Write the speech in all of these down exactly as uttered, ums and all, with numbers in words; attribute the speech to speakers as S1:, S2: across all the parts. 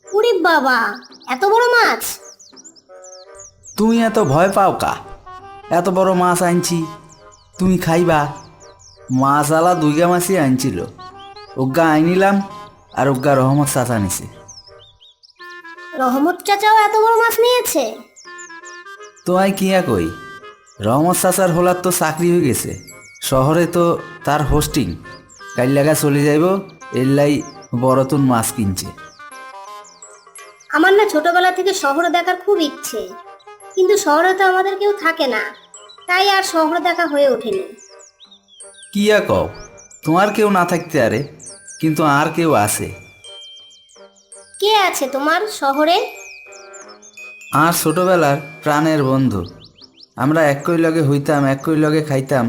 S1: উরে বাবা, এত বড় মাছ!
S2: তুমি এত ভয় পাও কা? এত বড় মাছ আনছি, তুমি খাইবা? মাছ আলা দুইগা মাছই আনছিল, ওগা আইনিলাম আর ওগা রহমত চাচা নিছে।
S1: রহমত চাচাও এত বড় মাছ নিয়েছে?
S2: তোমায় কিয়া কই, রহমত চাচার হোলার তো চাকরি হয়ে গেছে, শহরে তো তার হোস্টিং, কাল লাগা চলে যাইব, এল্লাই বড়তুন মাছ কিনছে।
S1: আমার না ছোটবেলা থেকে শহরে দেখার খুব ইচ্ছে, কিন্তু শহরে তো আমাদের কেউ থাকে না, তাই আর শহরে দেখা হয়ে ওঠেনি।
S2: কিয়া কও, তোমার কেউ না থাকতে আরে, কিন্তু আর কেউ আছে।
S1: কে আছে তোমার শহরে?
S2: আর ছোটবেলার প্রাণের বন্ধু, আমরা একই লগে হইতাম, একই লগে খাইতাম।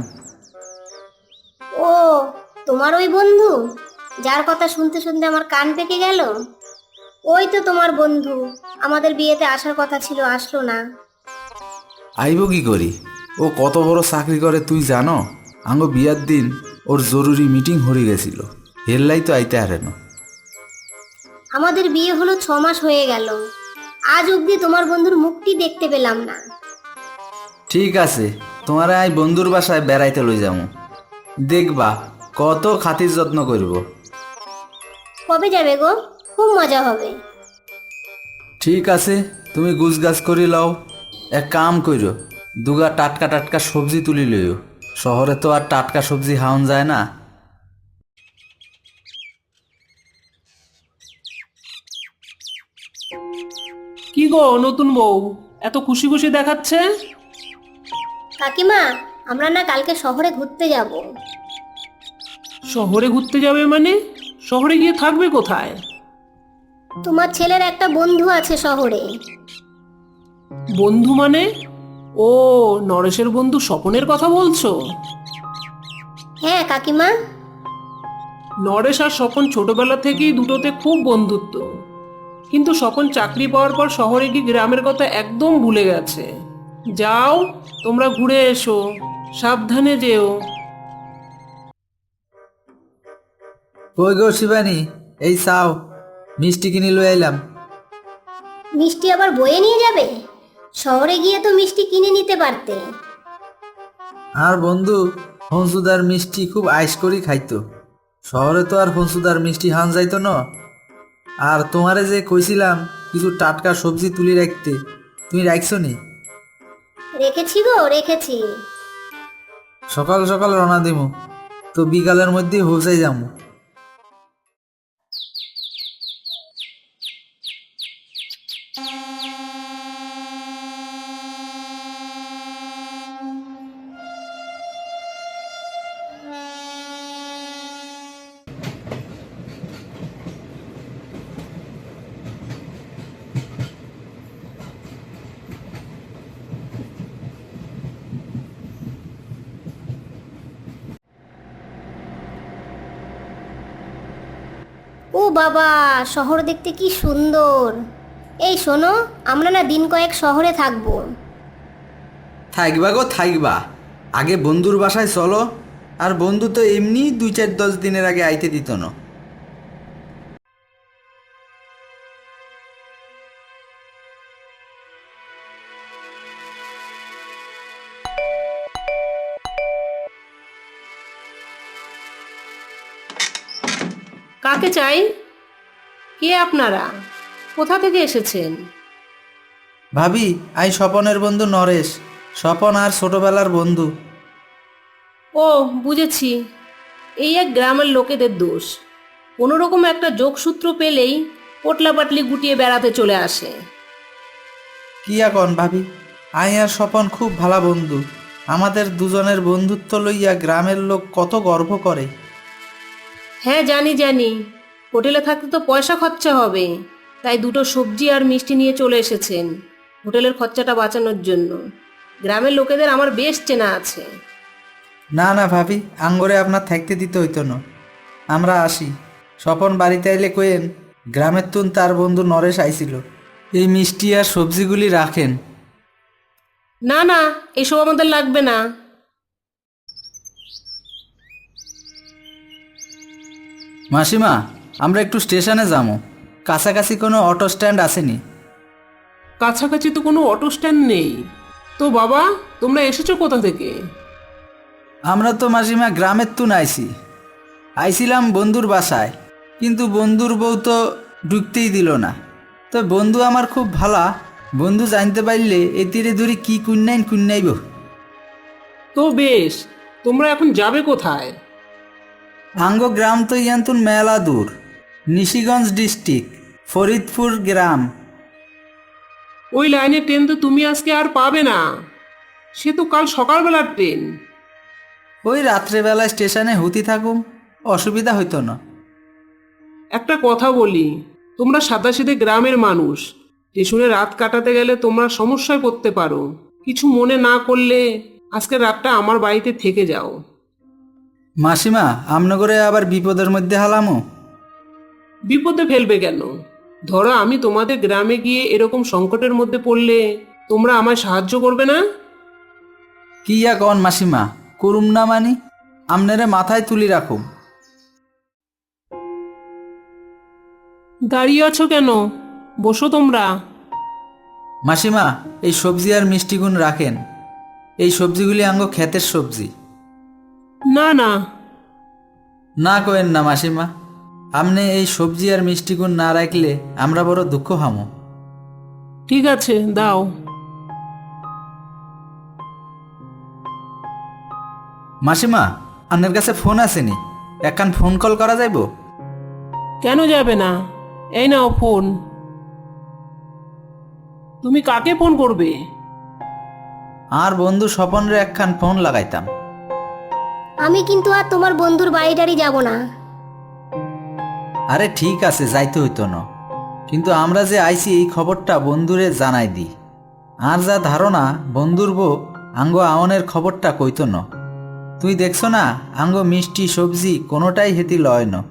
S1: ও, তোমার ওই বন্ধু যার কথা শুনতে শুনতে আমার কান পেকে গেল? ওই তো তোমার বন্ধু, আমাদের বিয়েতে আসার কথা ছিল, আসলো না।
S2: আইব কি করি, ও কত বড় চাকরি করে তুই জানো? আঙ্গ বিয়ার দিন ওর জরুরি মিটিং হয়ে গেছিল, হেললাই তো আইতে হারে না।
S1: আমাদের বিয়ে হলো ছ মাস হয়ে গেল, আজ অবধি তোমার বন্ধুর মুখটি দেখতে পেলাম না।
S2: ঠিক আছে, তোমারে আই বন্ধুর বাসায় বেড়াইতে লই যাবো, দেখবা কত খাতির যত্ন করব।
S1: কবে যাবে গো? খুব মজা হবে।
S2: ঠিক আছে, তুমি গুছগাছ করি লও। এক কাম কইরো, দুগা টাটকা টাটকা সবজি তুলি লইও, শহরে তো আর টাটকা সবজি খাওয়ান যায় না।
S3: কি গো নতুন বউ, এত খুশি খুশি দেখাচ্ছে?
S1: কাকিমা, আমরা না কালকে শহরে ঘুরতে যাব।
S3: শহরে ঘুরতে যাবে মানে? শহরে গিয়ে থাকবে কোথায়?
S1: তোমার ছেলের একটা বন্ধু আছে শহরে।
S3: বন্ধু মানে? ও, নরেশের বন্ধু স্বপনের কথা বলছো?
S1: হ্যাঁ কাকিমা।
S3: নরেশ আর স্বপন ছোটবেলা থেকেই দুটোতে খুব বন্ধুত্ব, কিন্তু স্বপন চাকরি পাওয়ার পর শহরে গিয়ে গ্রামের কথা একদম ভুলে গেছে। যাও, তোমরা ঘুরে এসো, সাবধানে যেও।
S2: কই গো শিবানী, এই চাও, মিষ্টি কিনে লই আইলাম।
S1: মিষ্টি আবার বয়ে নিয়ে যাবে? শহরে গিয়ে তো মিষ্টি কিনে নিতে পারতে।
S2: আর বন্ধু হংসুদার মিষ্টি খুব আইস করি খাইতো, শহরে তো আর হংসুদার মিষ্টি হান যাইতো না। আর তোমারে যে কইছিলাম কিছু টাটকা সবজি তুলি রাখতে, তুমি রাখছো নি?
S1: রেখেছি গো, রেখেছি।
S2: সকাল সকাল রওনা দিমু, তো বিকালের মধ্যেই পৌঁছাই যাবো।
S1: ও বাবা, শহর দেখতে কি সুন্দর! এই শোনো, আমরা না দিন কয়েক শহরে থাকবো।
S2: থাকবা গো থাকবা, আগে বন্ধুর বাসায় চলো। আর বন্ধু তো এমনি দুই চার দশ দিনের আগে আইতে দিত না।
S3: কাকে চাই? কে আপনারা? কোথা থেকে এসেছেন?
S2: ভাবি, আই স্বপনের বন্ধু নরেশ, স্বপন আর ছোটবেলার বন্ধু।
S3: ও, বুঝেছি। এই এক গ্রামের লোকেদের দোষ, কোনো রকম একটা যোগসূত্র পেলেই পোটলা পাটলি গুটিয়ে বেড়াতে চলে আসে।
S2: কি এখন ভাবি, আই আর স্বপন খুব ভালো বন্ধু, আমাদের দুজনের বন্ধুত্ব লইয়া গ্রামের লোক কত গর্ব করে।
S3: হ্যাঁ জানি জানি, হোটেলে থাকতে তো পয়সা খরচা হবে, তাই দুটো সবজি আর মিষ্টি নিয়ে চলে এসেছেন হোটেলের খরচাটা বাঁচানোর জন্য। গ্রামের লোকেদের আমার বেশ চেনা আছে।
S2: না না ভাবি, আঙ্গরে আপনার থাকতে দিতে হইতো না, আমরা আসি। স্বপন বাড়িতে আইলে কইেন গ্রামের তুন তার বন্ধু নরেশ আইছিল, এই মিষ্টি আর সবজিগুলি রাখেন।
S3: না না, এসব আমাদের লাগবে না।
S2: মাসিমা, আমরা একটু স্টেশনে যাবো, কাছাকাছি কোনো অটো স্ট্যান্ড আসেনি।
S3: কাছাকাছি তো কোনো অটো স্ট্যান্ড নেই। তো বাবা, তোমরা এসেছো কোথা থেকে?
S2: আমরা তো মাসিমা গ্রামের তুন আইছি আইছিলাম বন্ধুর বাসায়, কিন্তু বন্ধুর বউ তো ঢুকতেই দিল না। তো বন্ধু আমার খুব ভালা, বন্ধু জানতে পারলে এ তীরে ধরে কি কুন্নাইন কুন্নাইব।
S3: তো বেশ, তোমরা এখন যাবে কোথায়?
S2: আঙ্গ গ্রাম তো ইয়ান্তুন মেলা দূর, নিশিগঞ্জ ডিস্ট্রিক্ট, ফরিদপুর গ্রাম।
S3: ওই লাইনের ট্রেন তো তুমি আজকে আর পাবে না, সে তো কাল সকালবেলার ট্রেন।
S2: ওই রাত্রেবেলা স্টেশনে হুতি থাকুম, অসুবিধা হইতো না।
S3: একটা কথা বলি, তোমরা সাদাসিধে গ্রামের মানুষ, স্টেশনে রাত কাটাতে গেলে তোমরা সমস্যায় পড়তে পারো। কিছু মনে না করলে আজকের রাতটা আমার বাড়িতে থেকে যাও।
S2: মাসিমা, আমনগরে আবার বিপদের মধ্যে হালামো?
S3: বিপদে ফেলবে কেন? ধরো আমি তোমাদের গ্রামে গিয়ে এরকম সংকটের মধ্যে পড়লে তোমরা আমায় সাহায্য করবে না?
S2: কি ইয়া কন মাসিমা, করুম না মানি? আমনেরে মাথায় তুলি রাখুম।
S3: দাঁড়িয়ে আছো কেন? বসো তোমরা।
S2: মাসিমা, এই সবজি আর মিষ্টিগুণ রাখেন। এই সবজিগুলি আঙ্গ ক্ষেতের সবজি।
S3: না না,
S2: না কয়েন না মাসিমা, আমনে এই সবজি আর মিষ্টিগুণ না রাখলে আমরা বড় দুঃখ হামো।
S3: ঠিক আছে, দাও।
S2: মাসিমা, আপনার কাছে ফোন আসেনি? একখান ফোন কল করা যাইব?
S3: কেন যাবে না? এই নাও ফোন। তুমি কাকে ফোন করবে?
S2: আর বন্ধু স্বপনরে একখান ফোন লাগাইতাম।
S1: আমি কিন্তু আর তোমার বন্ধুর বাড়ি টাড়ি যাব না।
S2: আরে ঠিক আছে, যাইতে হইতো না, কিন্তু আমরা যে আইছি এই খবরটা বন্ধুরে জানাই দি। আর যা ধারণা বন্ধুর বউ আঙ্গ আওনের খবরটা কইতো না। তুই দেখছো না, আঙ্গ মিষ্টি সবজি কোনোটাই হেতি লয় না।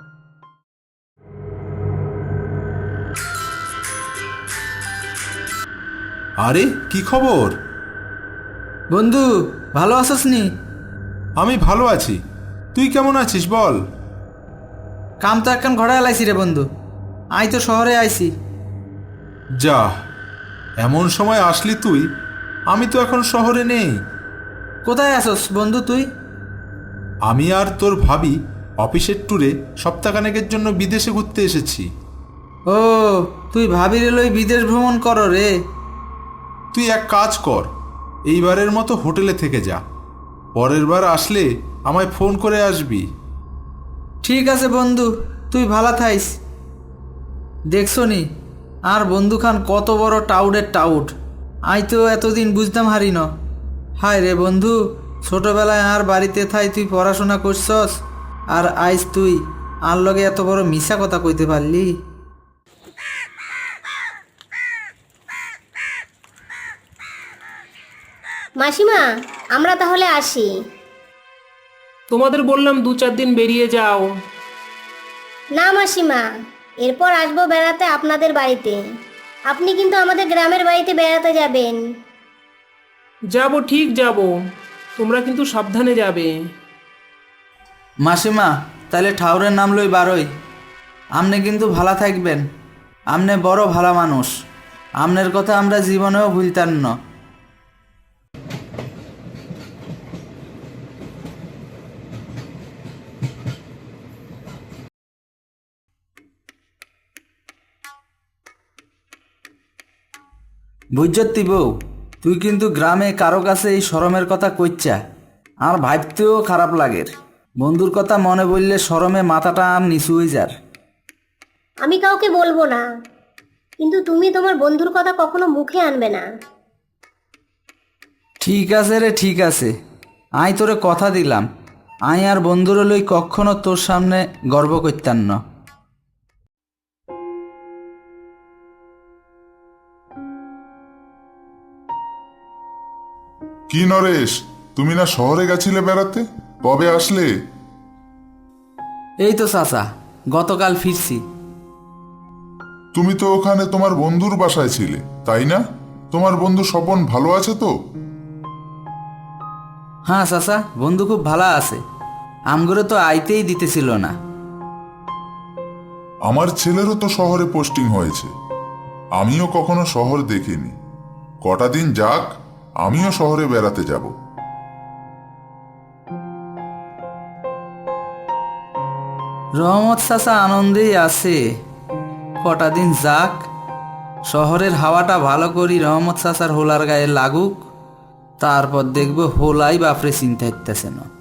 S4: আরে কি খবর?
S2: বন্ধু, ভালো আছস নি?
S4: আমি ভালো আছি, তুই কেমন আছিস বল?
S2: কাম তো একখান ঘোড়া এলাইছি রে বন্ধু, আই তো শহরে আইছি।
S4: যা, এমন সময় আসলি তুই, আমি তো এখন শহরে নেই।
S2: কোথায় আছস বন্ধু তুই?
S4: আমি আর তোর ভাবি অফিসের ট্যুরে সপ্তাহখানেকের জন্য বিদেশে ঘুরতে এসেছি।
S2: ও, তুই ভাবির লই বিদেশ ভ্রমণ কর রে?
S4: তুই এক কাজ কর, এইবারের মতো হোটেলে থেকে যা, পরের বার আসলে আমায় ফোন করে আসবি।
S2: ঠিক আছে বন্ধু, তুই ভালা থাইস। দেখছো নি আর বন্ধু খান কত বড় টাউডের টাউট, আই তো এতদিন বুঝতাম হারি ন। হায় রে বন্ধু, ছোটবেলায় আর বাড়িতে থাই তুই পড়াশোনা করছস, আর আইস তুই আর লগে এত বড় মিশা কথা কইতে পারলি।
S1: মাসিমা, আমরা তাহলে আসি।
S3: তোমাদের বললাম দু চার দিন বেরিয়ে যাও।
S1: না মাসিমা, এরপর আসবো বেড়াতে আপনাদের বাড়িতে। আপনি কিন্তু আমাদের গ্রামের বাড়িতে বেড়াতে যাবেন।
S3: যাব, ঠিক যাব, তোমরা কিন্তু সাবধানে যাবে।
S2: মাসিমা, তাহলে ঠাউরের নাম লই বারোই। আমনে কিন্তু ভালা থাকবেন, আমনে বড় ভালা মানুষ, আমনের কথা আমরা জীবনেও ভুলতাম না। বুঝতি বউ, তুই কিন্তু গ্রামে কারো কাছে এই শরমের কথা কইচ্ছা, আর ভাবতেও খারাপ লাগের। বন্ধুর কথা মনে বললে শরমে মাথাটা আর নিচু হয়ে যার।
S1: আমি কাউকে বলবো না, কিন্তু তুমি তোমার বন্ধুর কথা কখনো মুখে আনবে না।
S2: ঠিক আছে রে, ঠিক আছে, আই তোরে কথা দিলাম, আই আর বন্ধুর লই কখনো তোর সামনে গর্ব করতাম না।
S5: কি নরেশ, তুমি না শহরে গেছিলে বেড়াতে? কবে আসলে?
S2: এই তো চাচা, গতকাল ফিরছি।
S5: তুমি তো ওখানে তোমার বন্ধুর বাসায় ছিলে, তাই না? তোমার বন্ধু স্বপন ভালো আছে তো?
S2: হ্যাঁ চাচা, বন্ধু খুব ভালো আছে, আমগুলো তো আইতেই দিতেছিল না।
S5: আমার ছেলেরও তো শহরে পোস্টিং হয়েছে, আমিও কখনো শহর দেখিনি। কটা দিন যাক, আমিও শহরে বেড়াতে যাব।
S2: রহমত চাচা আনন্দেই আছে, কটা দিন যাক, শহরের হাওয়াটা ভালো করি রহমত চাচার হোলার গায়ে লাগুক, তারপর দেখবো হোলাই বাপরে চিন্তা হইতেছে না।